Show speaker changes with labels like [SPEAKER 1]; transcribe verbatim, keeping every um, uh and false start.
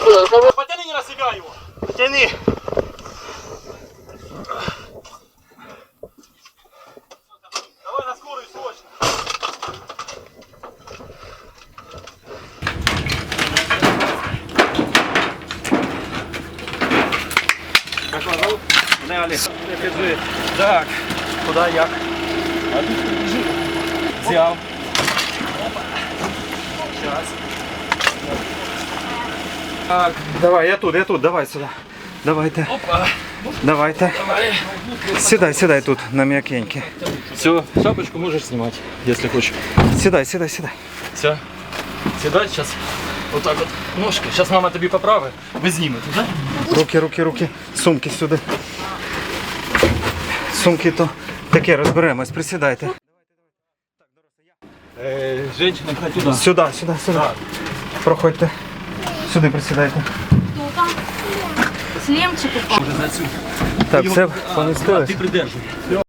[SPEAKER 1] Потяни на себя его.
[SPEAKER 2] Потяни.
[SPEAKER 1] Давай на скорую срочно.
[SPEAKER 2] Как вас зовут? Мене Олег. Кажи. Так, куди, як?
[SPEAKER 1] А тут побежи.
[SPEAKER 2] Взяв. Сейчас. Так, давай, я тут, я тут, давай сюди. Давайте.
[SPEAKER 1] Опа.
[SPEAKER 2] Давайте.
[SPEAKER 1] Давай.
[SPEAKER 2] Сідай, сідай тут, на м'якеньке.
[SPEAKER 1] Все, шапочку можешь снимать, если хочешь.
[SPEAKER 2] Сідай, сідай, сідай.
[SPEAKER 1] Все. Седать сейчас. Вот так вот. Ножки. Сейчас мама тебе поправит. Вы снимете, да?
[SPEAKER 2] Руки, руки, руки. Сумки сюди. Сумки то таке, розберемось, присідайте.
[SPEAKER 1] Э, женщина, хоть туда.
[SPEAKER 2] Сюди, сюди, сюди. Проходьте. Сюди присідайте.
[SPEAKER 3] Шлемчик упал.
[SPEAKER 1] Уже за отсюда.
[SPEAKER 2] Так, все
[SPEAKER 1] А,
[SPEAKER 2] помістили.
[SPEAKER 1] ты придерживай.